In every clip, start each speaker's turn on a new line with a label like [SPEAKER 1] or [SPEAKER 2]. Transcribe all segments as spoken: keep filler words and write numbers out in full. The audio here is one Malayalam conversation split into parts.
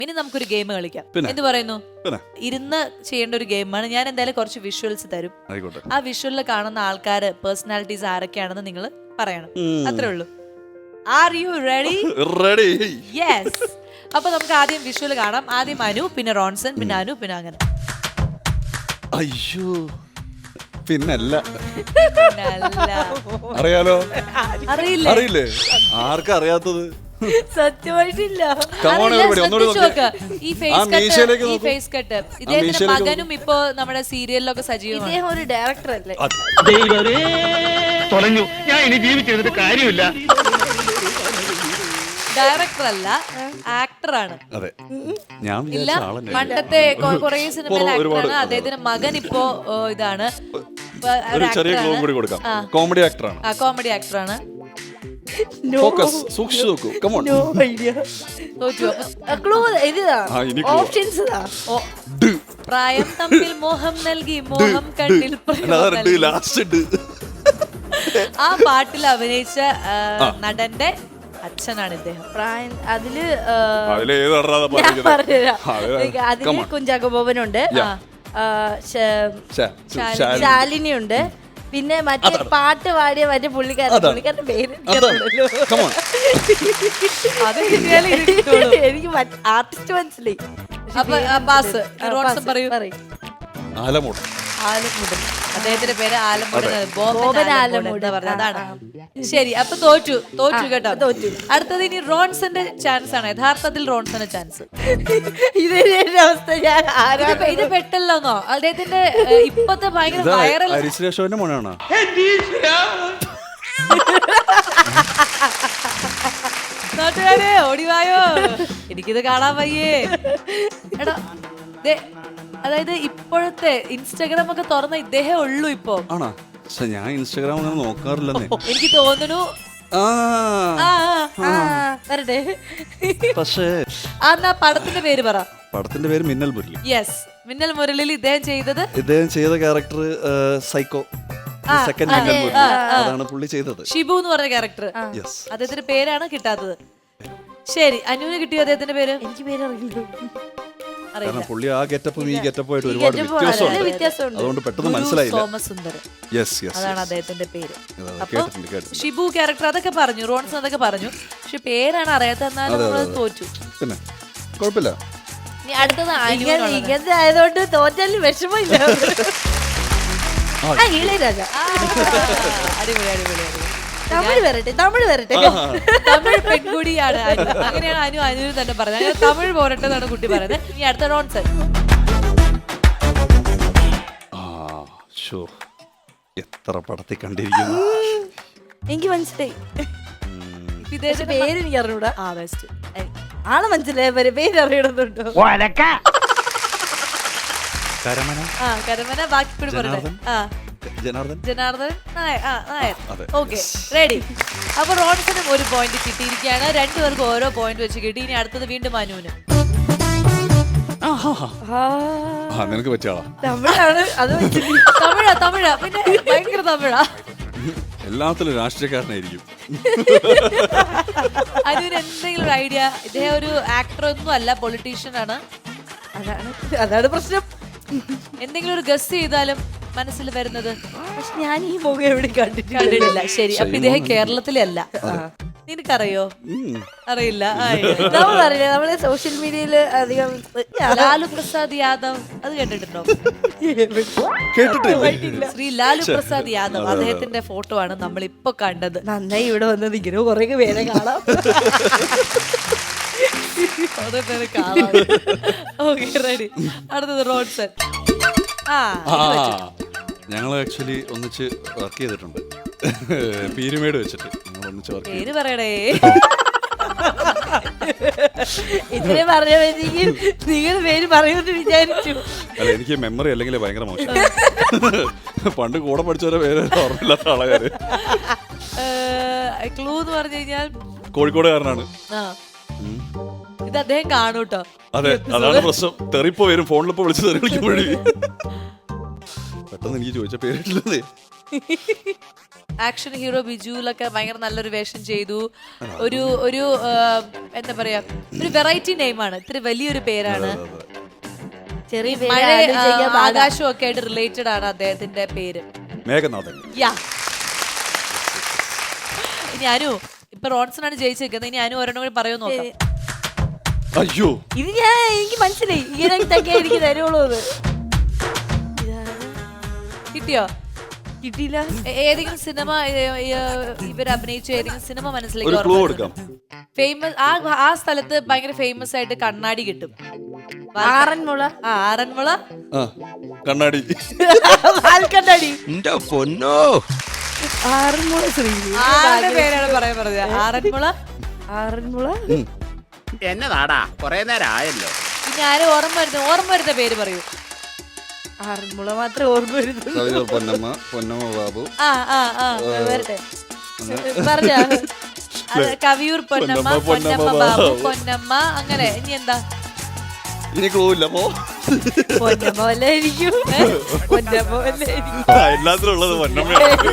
[SPEAKER 1] ഇനി നമുക്കൊരു ഗെയിം കളിക്കാം. എന്ത് പറയുന്നു? ഇരുന്ന് ചെയ്യേണ്ട ഒരു ഗെയിമാണ്. ഞാൻ എന്തായാലും കുറച്ച് വിഷ്വൽസ് തരും. ആ വിഷ്വലിൽ കാണുന്ന ആൾക്കാര് പേഴ്സണാലിറ്റീസ് ആരൊക്കെയാണെന്ന് നിങ്ങൾ പറയണം. അത്രേ ഉള്ളൂ. Are you ready?
[SPEAKER 2] Ready.
[SPEAKER 1] Yes. അപ്പൊ നമുക്ക് ആദ്യം വിഷ്വൽ കാണാം. ആദ്യം അനു, പിന്നെ റോൺസൺ, പിന്നെ അനു, പിന്നെ അങ്ങനെ.
[SPEAKER 2] അയ്യോ, പിന്നല്ല.
[SPEAKER 1] അറിയാലോ?
[SPEAKER 2] അറിയില്ലേ? അറിയില്ലേ? ആർക്കാ അറിയാത്തത്?
[SPEAKER 1] സത്യമായിട്ടില്ല. ഈ ഫേസ് കട്ട് ഇദ്ദേഹത്തിന്റെ മകനും ഇപ്പൊ നമ്മുടെ സീരിയലിലൊക്കെ സജീവമാണ്. ഇദ്ദേഹം ഒരു ഡയറക്ടർ അല്ലേ?
[SPEAKER 3] ഞാൻ ഇനി ജീവിച്ചിരുന്നിട്ട് കാര്യമില്ല.
[SPEAKER 1] ഡയറക്ടർ അല്ല, ആക്ടർ ആണ്. ഇല്ല, പണ്ടത്തെ കുറെ സിനിമയിൽ ആക്ടറാണ്. അദ്ദേഹത്തിന്റെ മകൻ ഇപ്പോ ഇതാണ്,
[SPEAKER 2] കോമഡി ആക്ടറാണ്.
[SPEAKER 1] ആ കോമഡി ആക്ടറാണ്.
[SPEAKER 2] ഫോക്കസ്, സൂക്ഷിച്ചു നോക്കൂ. Come on.
[SPEAKER 1] No idea. തോറ്റു. ക്ലൂ ഇതാ, ഓപ്ഷൻസ് ഇതാ. പ്രായം തമ്മിൽ മോഹം നൽകി മോഹം കണ്ണിൽ പ്രേമം. ആ പാട്ടിൽ അഭിനയിച്ച നടന്റെ അച്ഛനാണ് ഇദ്ദേഹം. പ്രായം അതില് അതില് കുഞ്ചാക്കോ ബോബനുണ്ട്, ശാലിനി ഉണ്ട്, പിന്നെ മറ്റേ പാട്ട് പാടിയ മറ്റേ പുള്ളിക്കാരൻ പുള്ളിക്കാരന്റെ പേര് എനിക്ക് ആർട്ടിസ്റ്റ് മനസ്സിലായി. അപ്പൊ പാസ്. പറയൂ.
[SPEAKER 2] ആലമുടൻ.
[SPEAKER 1] ആലമുടൻ. അദ്ദേഹത്തിന്റെ പേര് ആലമുടൻ. ബോബൻ ആലമുടൻ പറഞ്ഞ അതാണ്. ശരി, അപ്പൊ തോറ്റു. തോറ്റു കേട്ടോ, തോറ്റു. അടുത്തത് ഇനി റോൺസന്റെ ചാൻസ് ആണ്. യഥാർത്ഥത്തിൽ റോൺസന്റെ ചാൻസ്. അവസ്ഥ ഞാൻ ഇത് പെട്ടല്ലോന്നോ? അദ്ദേഹത്തിന്റെ ഇപ്പത്തെ ഭയങ്കര വൈറൽ.
[SPEAKER 2] ഹരിശ്രേഷോന്റെ മോനാണ്.
[SPEAKER 1] നാട്ടുകാരെ ഓടിവായോ, എനിക്കിത് കാണാൻ വയ്യേ. എടാ, അതായത് ഇപ്പോഴത്തെ ഇൻസ്റ്റാഗ്രാം ഒക്കെ തുറന്ന ഇദ്ദേഹേ ഉള്ളൂ ഇപ്പൊ.
[SPEAKER 2] ആണോ? ഞാൻ ഇൻസ്റ്റാഗ്രാം അങ്ങനെ നോക്കാറില്ലെന്നേ.
[SPEAKER 1] എനിക്ക് തോന്നുന്നു. വരട്ടെ.
[SPEAKER 2] പക്ഷേ
[SPEAKER 1] ആ പടത്തിന്റെ പേര് പറ.
[SPEAKER 2] പടത്തിന്റെ പേര് മിന്നൽ മുരളി.
[SPEAKER 1] യെസ്, മിന്നൽ മുരളിയിൽ ഇദ്ദേഹം ചെയ്തത്
[SPEAKER 2] ഇദ്ദേഹം ചെയ്ത ക്യാരക്ടർ സൈക്കോ. സെക്കൻഡ് മിന്നൽ മുരളി അതാണ് പുള്ളി ചെയ്തത്.
[SPEAKER 1] ഷിബു എന്ന് പറഞ്ഞ ക്യാരക്ടർ. അദ്ദേഹത്തിന്റെ പേരാണ് കിട്ടാത്തത്. ശരി, അനുവിന് കിട്ടിയോ അദ്ദേഹത്തിന്റെ പേര്? എനിക്ക് പേര് അറിയില്ല.
[SPEAKER 2] കാരണം പുള്ളി ആ ഗെറ്റപ്പും ഈ ഗെറ്റപ്പും ആയിട്ട് ഒരുപാട് വ്യത്യാസമുണ്ട്. അതുകൊണ്ട് പെട്ടെന്ന് മനസ്സിലായില്ല.
[SPEAKER 1] സോമസുന്ദരം അതാണ് അദ്ദേഹത്തിന്റെ പേര്.
[SPEAKER 2] കേട്ടിട്ടുണ്ട്.
[SPEAKER 1] ഷിബു ക്യാരക്ടർ അതൊക്കെ പറഞ്ഞു, റോൺസൺ അതൊക്കെ പറഞ്ഞു, പക്ഷെ പേരാണ് അറിയാത്ത. എന്നാലും തോറ്റു.
[SPEAKER 2] പിന്നെ കുഴപ്പമില്ല.
[SPEAKER 1] ഇനി അടുത്തത് ഇങ്ങനത്തെ ആയതുകൊണ്ട് തോറ്റാലും വിഷമില്ല. ഇളയരാജ. അടിപൊളി അടിപൊളി. തമിഴ് വരട്ടെ, തമിഴ് വരട്ടെ. തമിഴ് പെൺകുടിയാണ് അനു. അങ്ങനെയാണ് അനു അനുവിന് തന്നെ പറഞ്ഞത്. അങ്ങനെ തമിഴ് പോരട്ടെ എന്നാണ് കുട്ടി പറയുന്നത്. ഇനി അടുത്ത റോൺസൺ.
[SPEAKER 2] എത്ര പടത്തിൽ കണ്ടിരിക്കുന്നു.
[SPEAKER 1] എനിക്ക് മനസ്സിലായി. വിദേശ പേര് എനിക്ക് അറിഞ്ഞൂടാ. ആ ബെസ്റ്റ് ആളെ മനസ്സിലായ പേര് അറിയണമെന്നുണ്ടോ? ആ കരമന. ബാക്കി കൂടി പറയട്ടെ. ആ
[SPEAKER 2] ജനാർദ്ദൻ.
[SPEAKER 1] ജനാർദ്ദൻ നായർ. Okay, ready. അപ്പൊ റോൺസനും ഒരു പോയിന്റ് കിട്ടിയിരിക്കുകയാണ്. രണ്ടുപേർക്കും ഓരോ പോയിന്റ് വെച്ച് കിട്ടി. ഇനി അടുത്തത് വീണ്ടും മനുവിന്.
[SPEAKER 2] നിനക്ക് പറ്റിയാളാ?
[SPEAKER 1] തമിഴാണ്. അത് തമിഴാ തമിഴാ പിന്നെ ഭയങ്കര തമിഴാ.
[SPEAKER 2] എല്ലാത്തിലും രാഷ്ട്രീയക്കാരനായിരിക്കും.
[SPEAKER 1] അനുവിന് എന്തെങ്കിലും ഒരു ഐഡിയ? ഇദ്ദേഹം ഒരു ആക്ടർ ഒന്നും അല്ല, പൊളിറ്റീഷ്യൻ ആണ്. അതാണ് അതാണ് പ്രശ്നം. എന്തെങ്കിലും ഒരു ഗസ് ചെയ്താലും മനസ്സിൽ വരുന്നത്. പക്ഷെ ഞാൻ ഈ മുഖം എവിടെ കണ്ടിട്ടില്ല. ശരി, അപ്പൊ ഇദ്ദേഹം കേരളത്തിലെ അല്ല. നിനക്കറിയോ? അറിയില്ല. നമ്മളറിയില്ല, നമ്മള് സോഷ്യൽ മീഡിയയില് അധികം. ലാലു പ്രസാദ് യാദവ്, അത് കേട്ടിട്ടുണ്ടോ?
[SPEAKER 2] കേട്ടിട്ടില്ല.
[SPEAKER 1] ശ്രീ ലാലു പ്രസാദ് യാദവ്, അദ്ദേഹത്തിന്റെ ഫോട്ടോ ആണ് നമ്മൾ ഇപ്പൊ കണ്ടത്. നന്നായി ഇവിടെ വന്നത്. ഇങ്ങനെ കുറെ പേരെ കാണാം. റെഡി. അടുത്തത് റോൺസൺ.
[SPEAKER 2] ഞങ്ങൾ ആക്ച്വലി ഒന്നിച്ച് വർക്ക് ചെയ്തിട്ടുണ്ട്. പീരുമേട് വെച്ചിട്ട് ഞങ്ങൾ ഒന്നിച്ച് വർക്ക്.
[SPEAKER 1] പേര് പറയടേ. ഇതിനെ പറഞ്ഞെങ്കിൽ നിങ്ങൾ പേര് പറയുമെന്ന് വിചാരിച്ചു.
[SPEAKER 2] അല്ല, എനിക്ക് മെമ്മറി അല്ലെങ്കിൽ ഭയങ്കര മോശം. പണ്ട് കൂടെ പഠിച്ചവരെ പേര് ഓർമ്മയില്ലാത്ത ആളാണ്.
[SPEAKER 1] ക്ലൂ എന്ന് പറഞ്ഞു കഴിഞ്ഞാൽ
[SPEAKER 2] കോഴിക്കോടുകാരനാണ്.
[SPEAKER 1] ഇത് അദ്ദേഹം കാണൂട്ടോ.
[SPEAKER 2] അതെ, അതാണ് പ്രശ്നം. തെറിപ്പോ വരും ഫോണിലിപ്പോ വിളിച്ച് തെറി വിളിക്കുമ്പോഴേ. പെട്ടെന്ന് എനിക്ക് ചോദിച്ച പേരിട്ടില്ലേ.
[SPEAKER 1] ആക്ഷൻ ഹീറോ ബിജുവിലൊക്കെ ഭയങ്കര നല്ലൊരു വേഷം ചെയ്തു. ഒരു ഒരു ആ, എന്താ പറയാ ഒരു വെറൈറ്റി നെയിമാണ്, ഇത്തിരി വലിയൊരു പേരാണ്.
[SPEAKER 4] ചെറിയ
[SPEAKER 1] മഴ
[SPEAKER 4] പേര്
[SPEAKER 1] ആകാശവും ഒക്കെ ആയിട്ട് റിലേറ്റഡ് ആണ് അദ്ദേഹത്തിന്റെ പേര്.
[SPEAKER 2] മേഘനാഥൻ.
[SPEAKER 1] യാ. ഇനി അനു ഇപ്പൊ റോൺസൺ ആണ് ജയിച്ചിരിക്കുന്നത്. ഇനി അനു ഒരെണ്ണം കൂടി പറയുമോ നോക്കാം.
[SPEAKER 2] അയ്യോ
[SPEAKER 4] ഇത് ഞാൻ എനിക്ക് മനസ്സിലായി ഇങ്ങനത്തെ എനിക്ക് തരുള്ളൂ. അത്
[SPEAKER 1] കിട്ടിയോ?
[SPEAKER 4] കിട്ടിയില്ല.
[SPEAKER 1] ഏ- ഏതെങ്കിലും സിനിമ ഇവർ അഭിനയിച്ച ഏതെങ്കിലും സിനിമ
[SPEAKER 2] ഒരു
[SPEAKER 1] മനസ്സിലേക്ക്
[SPEAKER 2] ക്ലൂ കൊടുക്കാം.
[SPEAKER 1] ഫേമസ് ആ ആ സ്ഥലത്ത് ഭയങ്കര ഫേമസ് ആയിട്ട് കണ്ണാടി കിട്ടും.
[SPEAKER 4] ആറന്മുള.
[SPEAKER 1] ആ ആറന്മുള.
[SPEAKER 2] ആ കണ്ണാടി.
[SPEAKER 4] വാൽക്കണ്ണാടി.
[SPEAKER 5] എന്റെ പൊന്നോ.
[SPEAKER 4] ആറന്മുള ശ്രീ.
[SPEAKER 1] ആരുടെ പേരാണ് പറയാൻ പറഞ്ഞത്? ആറന്മുള.
[SPEAKER 4] ആറന്മുള.
[SPEAKER 3] എന്നതാടാ കൊറേ നേരം ആയല്ലോ.
[SPEAKER 1] ഇനി ആരും ഓർമ്മ വരുന്ന ഓർമ്മ വരുന്ന പേര് പറയൂ.
[SPEAKER 4] ആറന്മുള മാത്രമേ ഓർമ്മ വരുന്നുള്ളൂ.
[SPEAKER 2] കവിയൂർ പൊന്നമ്മ, പൊന്നമ്മ ബാബു.
[SPEAKER 1] ആ ആ ആ
[SPEAKER 4] വരട്ടെ പറഞ്ഞ
[SPEAKER 1] അത് കവിയൂർ പൊന്നമ്മ,
[SPEAKER 2] പൊന്നമ്മ,
[SPEAKER 1] പൊന്നമ്മ
[SPEAKER 2] പൊന്നമ്മ
[SPEAKER 1] ബാബു,
[SPEAKER 2] ബാബു.
[SPEAKER 1] പൊന്നമ്മ, അങ്ങനെ. ഇനി എന്താ?
[SPEAKER 2] ഇനി ക്ലൂ ഇല്ല പോ.
[SPEAKER 4] പൊന്നമ്മ വല്ലായിരിക്കും. പൊന്നമ്മ വല്ലായിരിക്കും.
[SPEAKER 2] ആ, എല്ലാത്തിലും ഉള്ളത് പൊന്നമ്മയാണ്.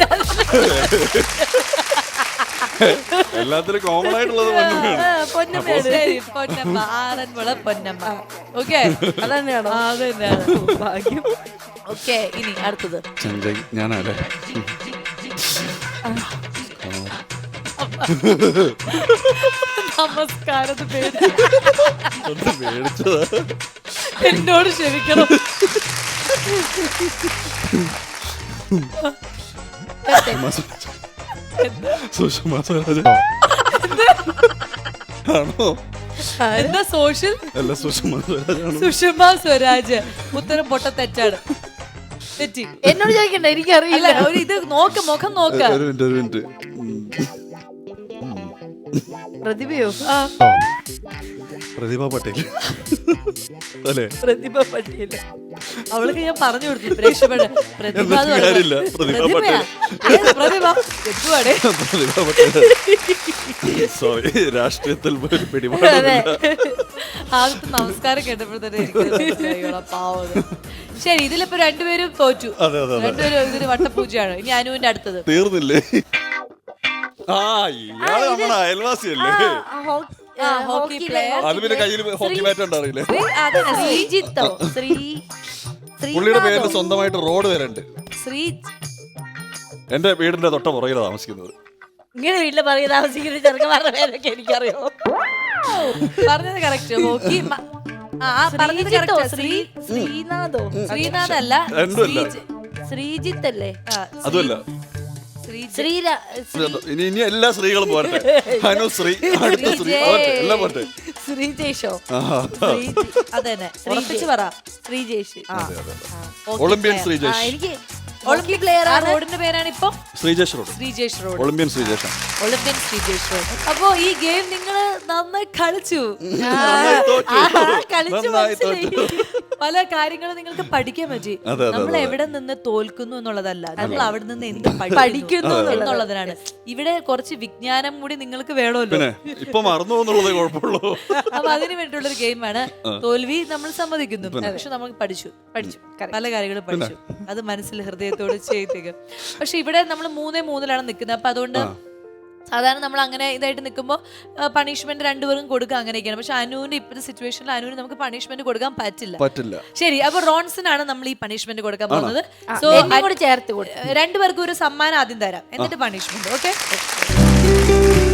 [SPEAKER 2] എല്ലാത്തിലും കോമൺ ആയിട്ടുള്ളത് പൊന്നമ്മയാണ്.
[SPEAKER 4] പൊന്നമ്മയാണ്.
[SPEAKER 1] ശരി, പൊന്നമ്മ. ആറന്മുള പൊന്നമ്മ. ഓക്കെ,
[SPEAKER 4] അതന്നെയാണോ?
[SPEAKER 1] അത് തന്നെയാണ്.
[SPEAKER 4] ഭാഗ്യം.
[SPEAKER 1] ഓക്കെ, ഇനി അടുത്തത്.
[SPEAKER 2] ചെഞ്ചൈ ഞാനല്ലേ.
[SPEAKER 1] നമസ്കാരം പേര്
[SPEAKER 2] ഒന്ന് മേടിച്ചതാ.
[SPEAKER 1] എന്നോട് ക്ഷമിക്കണം.
[SPEAKER 2] സുഷമ സ്വരാജ് ആണോ?
[SPEAKER 1] എന്താ സോഷ്യൽ?
[SPEAKER 2] അല്ല സുഷമ സ്വരാജാണ്.
[SPEAKER 1] സുഷമ സ്വരാജ്. ഉത്തരം പൊട്ട തെറ്റാണ്. തെറ്റി.
[SPEAKER 4] എന്നോട് ചോദിക്കണ്ട, എനിക്കറിയില്ല.
[SPEAKER 1] അല്ല, ഒരു ഇത് നോക്ക്, മുഖം നോക്ക.
[SPEAKER 2] ഒരു മിനിറ്റ് ഒരു മിനിറ്റ്.
[SPEAKER 4] പ്രതിഭയോ?
[SPEAKER 1] ആ,
[SPEAKER 2] പ്രതിഭ പട്ടേൽ അല്ലേ?
[SPEAKER 4] പ്രതിഭ പട്ടിയല്ല.
[SPEAKER 1] അവൾക്ക് ഞാൻ പറഞ്ഞു കൊടുത്തു പ്രേക്ഷകരുടെ പ്രതിഭ എന്ന്
[SPEAKER 2] എന്നിട്ട് കാര്യമില്ല.
[SPEAKER 1] പറയുമ്പോ-
[SPEAKER 2] പ്രതിഭ
[SPEAKER 1] പ്രതിഭയാ? ഏത് പ്രതിഭ? തെറ്റുവാടേ.
[SPEAKER 2] പ്രതിഭ പട്ടേൽ. സോറി, രാഷ്ട്രീയത്തിൽ ഒരു പിടിപാടില്ല.
[SPEAKER 1] ആദ്യത്തെ നമസ്കാരം കേട്ടപ്പോൾ തന്നെ എനിക്ക് മനസ്സിലായിക്കോളാം, പാവം. ശരി, ഇതിലിപ്പോ രണ്ടുപേരും തോറ്റു.
[SPEAKER 2] അതെ അതെ അതെ.
[SPEAKER 1] രണ്ടുപേരും ഇതിന് വട്ടപ്പൂജയാണ്. ഇനി അനുവിന്റെ അടുത്തത്.
[SPEAKER 2] തീർന്നില്ലേ? ആ ഇയാള് നമ്മുടെ അയൽവാസിയല്ലേ?
[SPEAKER 1] ആ, ഹോക്കി പ്ലെയർ.
[SPEAKER 2] അത് പിന്നെ കയ്യിൽ ഹോക്കി ബാറ്റ് ഉണ്ടാറിയില്ലേ?
[SPEAKER 1] അതന്നെ, ശ്രീ
[SPEAKER 4] ശ്രീജിത്തോ? ശ്രീ
[SPEAKER 2] പുള്ളിയുടെ പേരിൽ സ്വന്തമായിട്ട് റോഡ് വരണ്ട്.
[SPEAKER 1] ശ്രീ
[SPEAKER 2] എന്റെ വീടിന്റെ തൊട്ട പുറകിലാണ് താമസിക്കുന്നത്.
[SPEAKER 4] ഇങ്ങനെ വീട്ടില് പറയുക താമസിക്കുന്ന ചെറുക്കന്മാരുടെ പേരൊക്കെ എനിക്കറിയോ.
[SPEAKER 1] പറഞ്ഞത് കറക്റ്റ്. ഹോക്കി മ- ആ, ആ, പറഞ്ഞത്
[SPEAKER 4] ശ്രീജിത്തോ?
[SPEAKER 1] correct.
[SPEAKER 4] ശ്രീ ശ്രീനാഥോ?
[SPEAKER 1] ശ്രീനാഥ് അല്ല,
[SPEAKER 2] രണ്ടുമല്ല.
[SPEAKER 1] ശ്രീജ്-
[SPEAKER 4] ശ്രീജിത്ത് അല്ലേ?
[SPEAKER 1] ആ,
[SPEAKER 2] അതുമല്ല.
[SPEAKER 1] ശ്രീജ്-
[SPEAKER 4] ശ്രീരാ
[SPEAKER 2] ഇനി ഇനി എല്ലാ സ്ത്രീകളും പോരട്ടെ. അനു ശ്രീ, അടുത്ത ശ്രീ, പോരട്ടെ, എല്ലാം പോരട്ടെ.
[SPEAKER 4] ശ്രീജേഷോ?
[SPEAKER 2] ആഹാ.
[SPEAKER 1] ശ്രീജ്. അതന്നെ, ഉറപ്പിച്ച് പറ.
[SPEAKER 4] ശ്രീജേഷ്.
[SPEAKER 1] ആ,
[SPEAKER 2] അതെ, അതെ, അതെ.
[SPEAKER 1] Hockey
[SPEAKER 2] Olympian
[SPEAKER 1] player.
[SPEAKER 4] ആ,
[SPEAKER 2] ശ്രീജേഷ്.
[SPEAKER 4] എനിക്ക്
[SPEAKER 1] ഒളിമ്പിക് പ്ലെയർ ആ റോഡിന്റെ പേരാണ് ഇപ്പൊ
[SPEAKER 2] Sreejesh road.
[SPEAKER 1] Sreejesh road.
[SPEAKER 2] Olympian Sreejesh.
[SPEAKER 1] Olympian Sreejesh road. അപ്പോ ഈ ഗെയിം നിങ്ങൾ നന്നായി കളിച്ചു.
[SPEAKER 2] നന്നായി തോറ്റു.
[SPEAKER 1] ആ, കളിച്ചു
[SPEAKER 2] നന്നായി
[SPEAKER 1] മനസ്സിലായി.
[SPEAKER 2] തോറ്റു.
[SPEAKER 1] പല കാര്യങ്ങളും നിങ്ങൾക്ക് പഠിക്കാൻ പറ്റി.
[SPEAKER 2] അതെ, അതെ,
[SPEAKER 1] നമ്മൾ
[SPEAKER 2] അതെ.
[SPEAKER 1] എവിടെ നിന്ന് തോൽക്കുന്നു എന്നുള്ളതല്ല, നമ്മൾ അവിടെ നിന്ന് എന്ത്
[SPEAKER 4] പഠിക്കുന്നു
[SPEAKER 1] പഠിക്കുന്നു എന്നുള്ളതാണ്. ഇവിടെ കുറച്ച് വിജ്ഞാനം കൂടി നിങ്ങൾക്ക് വേണമല്ലോ.
[SPEAKER 2] പിന്നെ ഇപ്പൊ മറന്നു പോകുന്നുള്ളതേ കുഴപ്പമുള്ളൂ.
[SPEAKER 1] അപ്പൊ അതിന് വേണ്ടിയുള്ള ഒരു ഗെയിമാണ്. തോൽവി നമ്മൾ സമ്മതിക്കുന്നു, പക്ഷെ നമ്മൾ പഠിച്ചു പഠിച്ചു പല കാര്യങ്ങളും പഠിച്ചു. അത് മനസ്സിൽ ഹൃദയത്തോട് ചെയ്തേക്കും. പക്ഷെ ഇവിടെ നമ്മൾ മൂന്നേ മൂന്നിലാണ് നിൽക്കുന്നത്. അപ്പൊ അതുകൊണ്ട് സാധാരണ നമ്മൾ അങ്ങനെ ഇതായിട്ട് നിൽക്കുമ്പോൾ പണിഷ്മെന്റ് രണ്ടുപേരും കൊടുക്കുക, അങ്ങനെയൊക്കെയാണ്. പക്ഷെ അനുവിന്റെ ഇപ്പോഴത്തെ സിറ്റുവേഷനിൽ അനുവിന് നമുക്ക് പണിഷ്മെന്റ് കൊടുക്കാൻ പറ്റില്ല.
[SPEAKER 2] പറ്റില്ല.
[SPEAKER 1] ശരി, അപ്പൊ റോൺസിനാണ് നമ്മൾ ഈ പണിഷ്മെന്റ് കൊടുക്കാൻ പോകുന്നത്. സോ
[SPEAKER 4] എന്നെ കൂടി ചേർത്ത് കൊടുത്തു.
[SPEAKER 1] രണ്ടുപേർക്കും ഒരു സമ്മാനം ആദ്യം തരാം, എന്നിട്ട് പണിഷ്മെന്റ്. ഓക്കെ.